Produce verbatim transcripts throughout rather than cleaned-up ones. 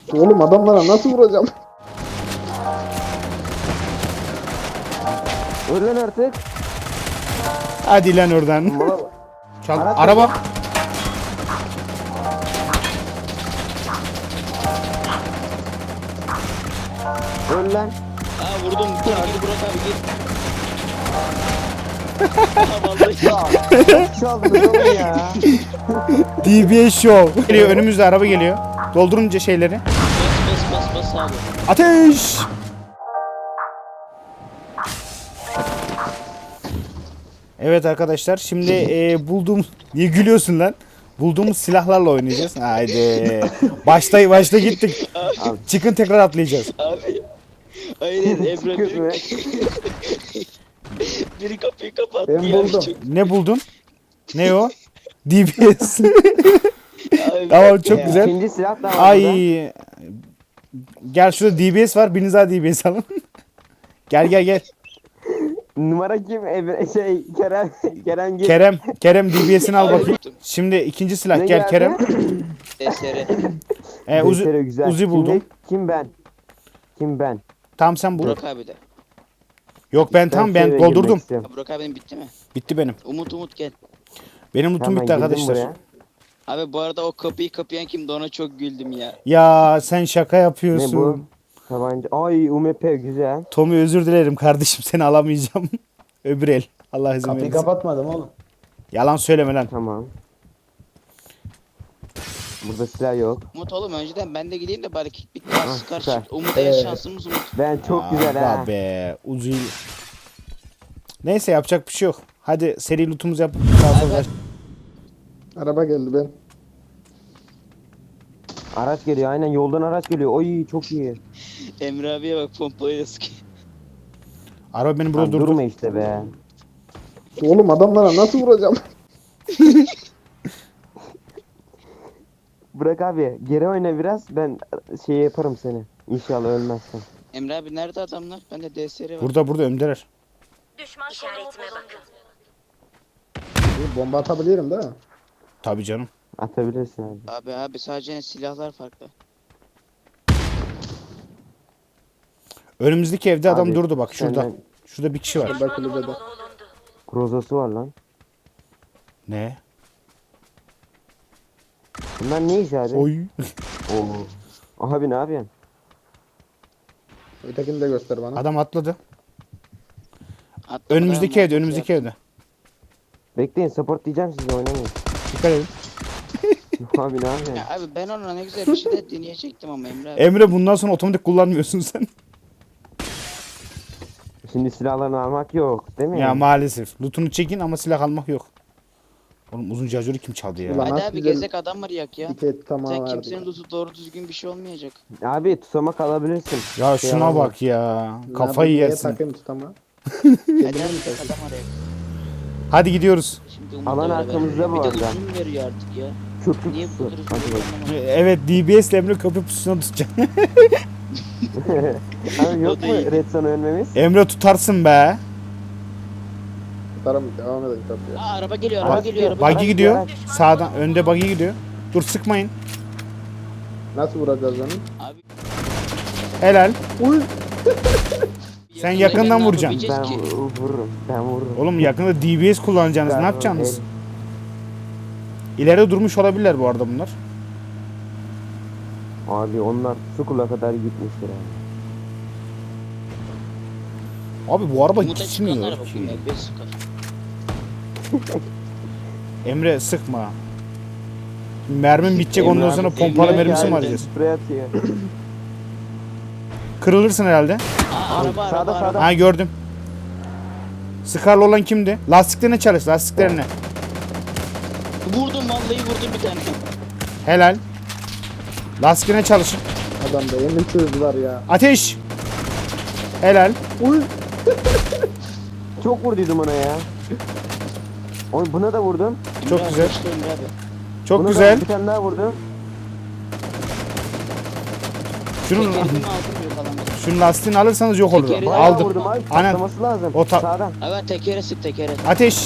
Oğlum adamlara nasıl vuracağım? Öl lan artık. Hadi lan oradan. Mala. Çal. Araç Araba. Öl lan. Aa vurdum. Gir gir Burak abi gir. Aa, vallahi. Ya. Çaldınız oğlum ya. D B S Show. Geliyor, önümüzde araba geliyor. Doldurunca şeyleri. Bas bas bas bas abi. Ateş! Evet arkadaşlar, şimdi e, bulduğum... Niye gülüyorsun lan? Bulduğumuz silahlarla oynayacağız. Haydi. Başta başta gittik. Çıkın, tekrar atlayacağız. Abi. Aynen Emre Çıkıyoruz biri, be. biri kapıyı kapattı Ben ya. buldum. Çok- Ne buldun? Ne o? D B S. Abi, Tamam, çok ya. güzel. İkinci silah da var burada. Ay. Gel, şurada D B S var. Biriniz daha D B S alın. Gel gel gel. Numara kim? Emre, şey Kerem. Kerem gel. Kerem, Kerem D B S'ini al Abi, bakayım. Şimdi ikinci silah, Ne gel geldi? Kerem. D S R. E, Uzi, Gösteriyor, güzel. Uzi Şimdi buldum. kim ben? Kim ben? Tam sen bul. Burak abi de. Yok, ben tam ben şöyle doldurdum. girmek istiyorum. Ha, Burak abinin bitti mi? Bitti benim. Umut Umut gel. Benim lootum Hemen bitti girdim arkadaşlar. buraya. Abi bu arada o kapıyı kapayan kimdi, ona çok güldüm ya. Ya sen şaka Ne yapıyorsun. bu? Tabanca. Ay U M P güzel. Tommy, özür dilerim kardeşim, seni alamayacağım. Öbür el. Allah izin Kapıyı verirse. kapatmadım oğlum. Yalan söyleme lan. Tamam. Burada silah yok. Umut oğlum önceden ben de gideyim de bari kick bitti. Ah, Sıkar süper. çıktı. Umut en Evet. şansımız Umut. Ben çok güzel Aa, ha. be. Uzi. Neyse, yapacak bir şey yok. Hadi seri lootumuzu yap. Abi, Araba geldi ben. Araç geliyor, aynen yoldan araç geliyor. Oy çok iyi. Emre abiye bak, pompayla sıkıyor. Araba beni burada Lan durdur. durma işte be. Oğlum adamlara nasıl vuracağım? Bırak abi geri oyna biraz, ben şey yaparım seni. İnşallah ölmezsen. Emre abi nerede adamlar? Bende D S R var. Burada burada öndeler. Düşman işaretime bakın. Bir bomba atabilirim değil mi? Tabii canım. Atabilirsin abi. Abi abi sadece ne silahlar farklı. Önümüzdeki evde adam Abi, durdu bak, şurada. senden- Şurada bir kişi var. Burada kulübede. Grozası var lan. Ne? Bunlar ne iş abi? Oy. Oo. Abi ne yapıyorsun? Ötekini de göster bana. Adam atladı. Atla Önümüzdeki bayağı evde, önümüzdeki evde. Bekleyin, support diyeceğim, size oynamayın. Dikkat edin. Abi ne yapıyorsun? Ya abi ben ona ne güzel bir şey de deneyecektim ama Emre abi. Emre, bundan sonra otomatik kullanmıyorsun sen. Şimdi silahlarını almak yok değil mi? Ya maalesef. Lootunu çekin ama silah almak yok. Oğlum, uzun şarjörü kim çaldı ya? Ulan. Hadi nasıl abi güzel gezek adam var yak ya. Tiket tamam Sen verdik. kimsenin lootu doğru düzgün bir şey olmayacak. Abi tutamak alabilirsin. Ya Şey şuna alamam. bak ya. Ne Kafayı yapayım, yersin. Neye takayım tutama? Hadi abi gezek adam araya. Hadi gidiyoruz. Şimdi Umut'la Alan beraber. arkamızda bu Bir de arada. uzun veriyor artık ya. Çok Niye tutsun. bu kadar Hadi uzun bak. veriyor? Evet, D B S ile Emre kapı pususuna tutacak. Abi yok O da mu iyi. Red Sun ölmemiz? Emre, tutarsın be. Tutarım devam edelim kapıya. Aa araba geliyor, araba Araç geliyor, araba. Buggy Araç gidiyor. araç. Sağdan önde buggy gidiyor. Dur, sıkmayın. Nasıl vuracağız onu? Abi Helal. Uy! Sen yakında yakından ne vuracaksın. Ben yapabileceğiz ki? vu- vururum. Ben vururum. Oğlum, yakında D B S kullanacaksınız. Ne Ben- yapacaksınız? İleride durmuş olabilirler bu arada bunlar. Abi onlar Sukula kadar gitmiştir abi. Abi bu araba Umut'a çıkan gitmiyor araba ki. bunlar, beş sıkar. Emre, sıkma. Mermim bitecek, Emre ondan abi, sonra Emre pompalı mermisi mi geldi. arayacağız? Sprey atıyor. Kırılırsın herhalde. Aa araba, Sağda, araba, sağda. araba. Ha, gördüm. Scar'lı olan kimdi? Lastiklerine çalış, lastiklerine. Vurdum vallahi vurdum bir tane. Helal. Lastiklerine çalışın. Adam da emin çözdüler ya. Ateş. Helal. Uy! Çok vurduydum ona ya. Oy buna da vurdum. Çok Emre abi, güzel. işte Emre abi. Çok Buna güzel. Da bir tane daha vurdum. Şunun, Tekerini mi aldım yok alamadım. şunun lastiğini alırsanız yok olur. Tekeri- Bayağı Aldım. vurdum abi. Aynen. Patlaması lazım. O ta- Sağdan. Evet tekere sık tekere. Ateş.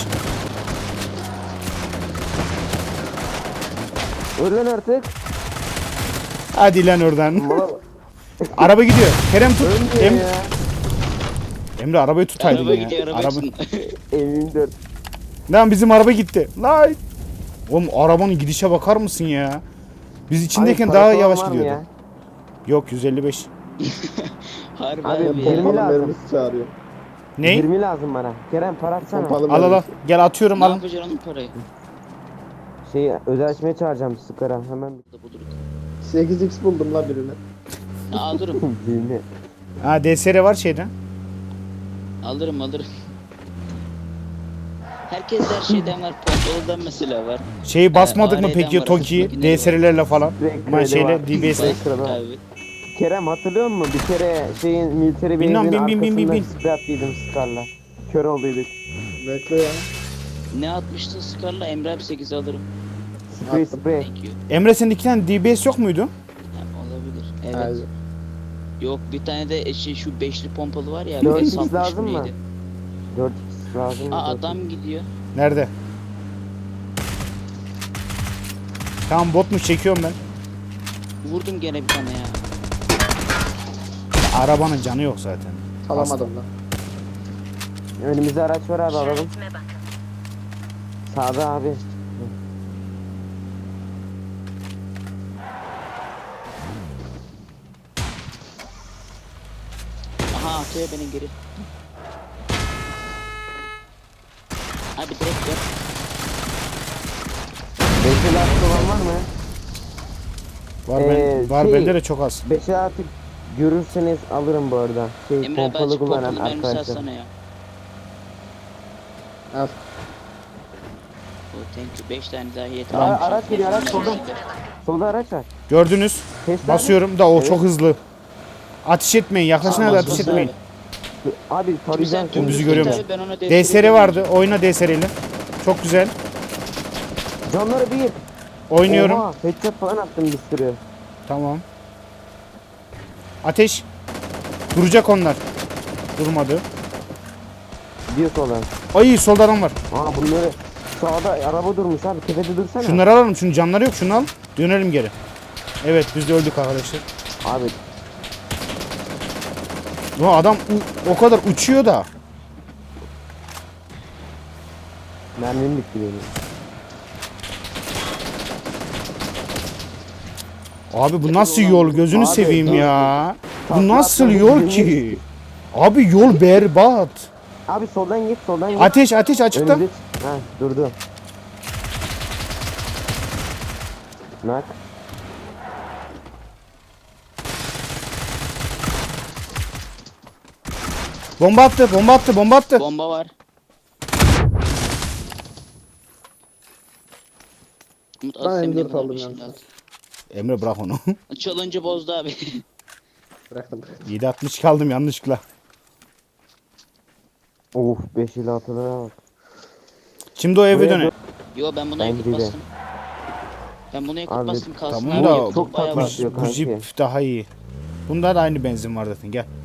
Öl lan artık. Hadi lan oradan. Mala Araba gidiyor. Kerem tut. ölmüyor Em ya. Emre arabayı tutaydın Araba ya. gidiyor araba Araba... için. M yirmi dört. Lan bizim araba gitti. Lan. Oğlum arabanın gidişe bakar mısın ya? Biz içindeyken Abi, daha para falan yavaş var mı gidiyordu. ya? Yok yüz elli beş. Harbi Abi, abi, yirmi ya. Pompalı lazım. mermisi çağırıyor. Ne? yirmi lazım bana. Kerem para atsana. Pompalı Al al al. mermisi. Gel atıyorum Ne al. yapacaksın onun parayı? Şey özel açmaya çağıracağım Skara hemen. Da buluruz. sekiz x buldum la birine. Ya, alırım. Yirmi. Ha D S R var şeyde. Alırım alırım. Herkes her şeyden var. Pompalıdan mesela var. Şeyi basmadık mı A R'den peki var, Toki'yi? makineleri D var. S R'lerle falan. Direkt Ama kredi şeyle var. D B S'le. Direkt kredi var. Abi. Kerem hatırlıyor musun? Bir kere şeyin military Bilmem, base'in bin, bin, bin, bin, arkasında bin. sprey attıydım Scar'la. Kör olduyduk. Bekle ya. Ne atmıştın Scar'la? Emre abi sekiz alırım. Sprey Attım. sprey. Thank you. Emre senin iki tane D B S yok muydu? Ha, olabilir. Evet. Hayır. Yok bir tane de şey, şu beşli pompalı var ya. Dört bir X altmış lazım mı? neydi? dört x lazım. Aa dört x. adam gidiyor. Nerede? Tamam botmuş çekiyorum ben. Vurdum gene bir tane ya. Arabanın canı yok zaten. Alamadım lan. Önümüzde araç var abi alalım. İşaretime bakın. Sağda abi. Aha atıyor beni geri. Abi direkt ver. Beşil artık olan var mı? Var Ee, ben, var şey- bende de çok az. Beşil artık görürseniz alırım bu arada. Şey Emre abi pompalı açık kullanan pompalı mermisi arkadaşlar. atsana ya. Al. Oh, thank you. beş tane daha yeter. Aa, araç geliyor, araç solda. İşaretime bakın. Solda araç var. Gördünüz. Test Basıyorum da o Evet. çok hızlı. Ateş etmeyin. Yaklaşın Aa, hadi basın ateş abi. etmeyin. Abi Şimdi tarayacağım sen seni. bizi dümdüz görüyor git musun? abi, ben ona D S R vardı. Oyna D S R ile. Çok güzel. Canları bir. Oynuyorum. Oha, headshot falan attım bir sürü. Tamam. Ateş. Duracak onlar. Durmadı. Gidiyor soldan. Ay solda adam var. Aa bunları sağda araba durmuş abi tepede dursana. Şunları alalım. Şunun canları yok. Şunu al. Dönelim geri. Evet biz de öldük arkadaşlar. Abi Bu adam u- o kadar uçuyor da. mermim bitti benim. Abi bu nasıl yol? Gözünü Abi, seveyim dur. ya. Bu Takla nasıl atmayı yol bilmiyor ki? Abi yol berbat. Abi soldan git soldan git. Ateş ateş açıkta. Önümüze çık- Ha durdu. Nak. Bomba attı, bomba attı, bomba attı. Bomba var. Umut Ben at M senin dört de aldım bir şey yalnız. at. Emre bırak onu. Çalınca bozdu abi. Bıraktım. yedi altmış kaldım yanlışlıkla. Of beş ile altılara bak. Şimdi o eve Buraya döne. Yo ben buna Bence yakıt de. bastım. Ben buna yakıt Abi, bastım kalsın. Tamam abi, da yakıtım çok bayağı tatlı var. atıyor Bu kanki. jip daha iyi. Bunda da aynı benzin var zaten gel.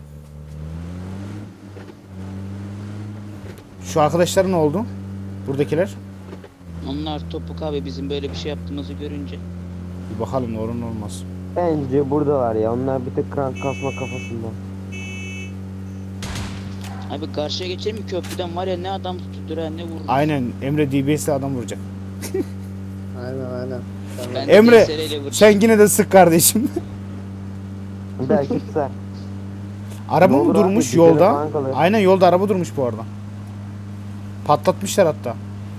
Şu arkadaşlar ne oldu? Buradakiler. Onlar topuk abi bizim böyle bir şey yaptığımızı görünce. Bir bakalım ne olur ne olmaz. Bence buradalar ya. Onlar bir tek krank kasma kafasında. Abi karşıya geçelim mi köprüden var ya ne adam tutturan ne vurur. Aynen Emre D B S'le adam vuracak. Aynen aynen. Tamam. Ben de Emre, D S R ile vuracağım. Sen yine de sık kardeşim. Belki tutar. Araba Ne mı olur abi, durmuş güzele yolda? falan kalır. Aynen yolda araba durmuş bu arada. Patlatmışlar hatta.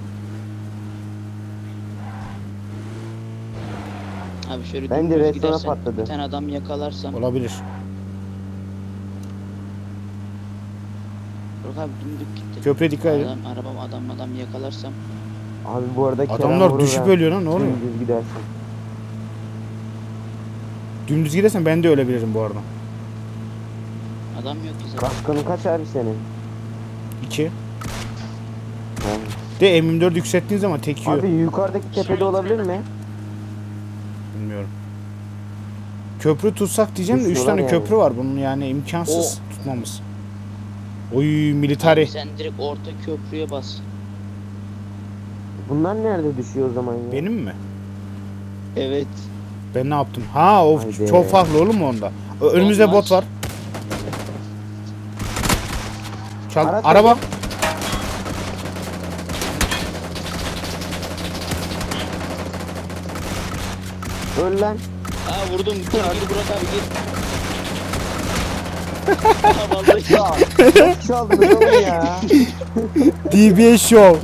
Abi şöyle Bence dümdüz restorana gidersen patladı. bir tane adam yakalarsam. Olabilir. Yok abi dümdük gitti. Köprüye dikkat edin. Adam, arabam adam adam yakalarsam. Abi bu arada Kerem Adamlar vurur düşüp ha. ölüyor lan ne oluyor? Dümdüz gidersin. Dümdüz gidersen ben de ölebilirim bu arada. Adam yok ki zaten. Kaskının kaç abi senin? İki. Ha. De M yirmi dört yükselttiğin zaman tek yiyor. Abi yukarıdaki tepede olabilir mi? Bilmiyorum. Köprü tutsak diyeceğim de üç Düşüyorlar tane yani. köprü var. Bunun yani imkansız tutmamız. Oy militari. Abi sen direkt orta köprüye bas. Bunlar nerede düşüyor o zaman ya? Benim mi? Evet. Ben ne yaptım? Ha o Haydi. çok farklı oğlum mu onda? Ö- Önümüzde Olmaz. bot var. Çal Araç araba. var. Öl lan. Aa vurdum. Gir gir Burak abi gir. Aa vallahi. Ya. Nasıl çaldınız oğlum ya? D B S Show.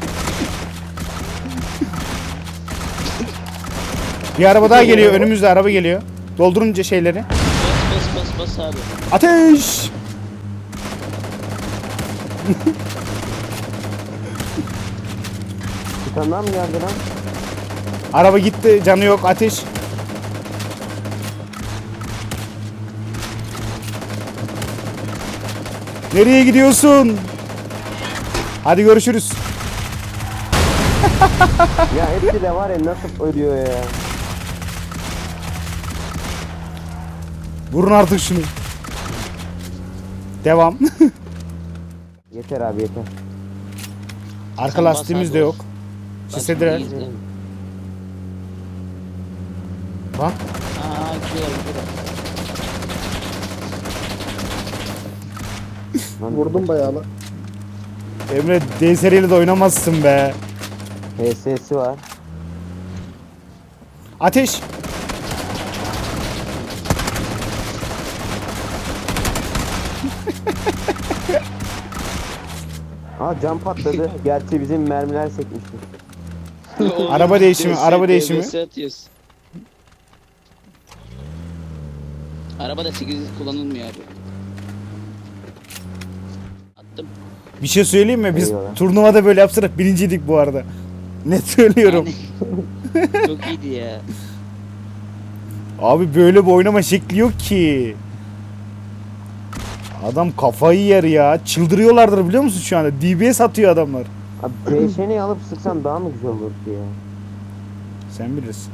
Bir araba daha geliyor. Önümüzde araba geliyor. Doldurunca şeyleri. Bas bas bas bas abi. Ateş! Bir tane daha mı geldi lan? Araba gitti. Canı yok. Ateş. Nereye gidiyorsun? Hadi görüşürüz. Ya hepsi de var ya nasıl ölüyor ya. Vurun artık şunu. Devam. Yeter abi yeter. Arka Sen bas lastiğimiz abi, de yok. bas. Sislediler. Bas, gir. Bak. Aa gidiyor gidiyor. Lan Vurdum bayağı lan. Emre D seriyle de oynamazsın be. H S'si var. Ateş. Aa cam patladı. Gerçi bizim mermiler sekmişti. Oğlum, Araba değişimi, D S, araba değişimi. D S atıyoruz. Araba da sekiz yüz kullanılmıyor abi. Attım. Bir şey söyleyeyim mi? Biz Eyvallah. turnuvada böyle yapsarak birinciydik bu arada. Net söylüyorum. Aynen. Çok iyiydi ya. Abi böyle bir oynama şekli yok ki. Adam kafayı yer ya. Çıldırıyorlardır biliyor musun şu anda? D B S atıyor adamlar. Abi P alıp sıksan daha mı güzel olur ki ya? Sen bilirsin.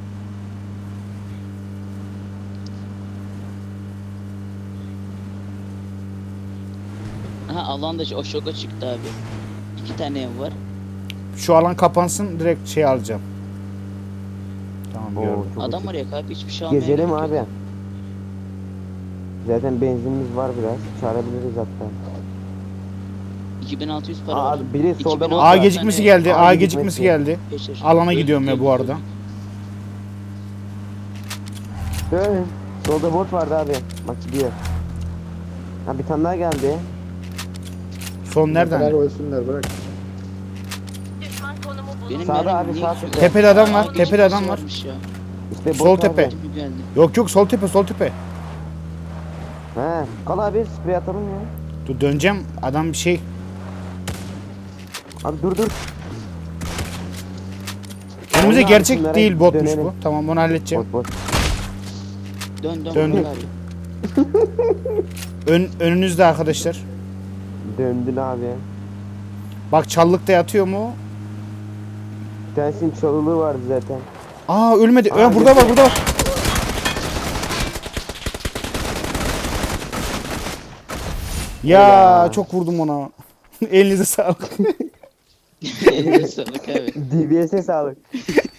Aha alanda o şoka çıktı abi. İki tane ev var. Şu alan kapansın direkt şey alacağım. Tamam Oo, gördüm. çok Adam açık. var ya abi hiçbir şey almaya Gezelim gerek abi. yok. Zaten benzinimiz var biraz. Çağırabiliriz hatta. iki bin altı yüz para Aa, var. abi biri solda iki bin bot A var. gecikmesi geldi. A A gecikmesi. gecikmesi geldi. Geçer. Alana Öldük, gidiyorum ya bu öldük, arada. öldük. Dön. Solda bot vardı abi. Bak gidiyor. Ha bir tane daha geldi. Son Neler nereden? ölsünler bırak. Düşman konumu bulundu. Benim Sağda mermim abi, niye sağ düşüyor? tepede. Tepede adam var, Aa, tepede adam geçmişi var. varmış ya. İşte bot Sol abi. tepe. Tepki geldi. Yok yok sol tepe sol tepe. He. Kal abi sprey atalım ya. Dur döneceğim. Adam bir şey. Abi dur dur. Önümüze Onlar gerçek şunlara değil botmuş dönelim. bu. Tamam onu halledeceğim. Bot bot. Dön dön. Döndüm. Burak abi. Ön, önünüzde arkadaşlar. Döndün abi. Bak çallıkta yatıyor mu? Bir tanesinin çalılığı vardı zaten. Aa ölmedi. Aa, Aa, burada var burada var. Ya Ya. çok vurdum ona. Elinize sağlık. Eline sağlık abi. D B S'e sağlık.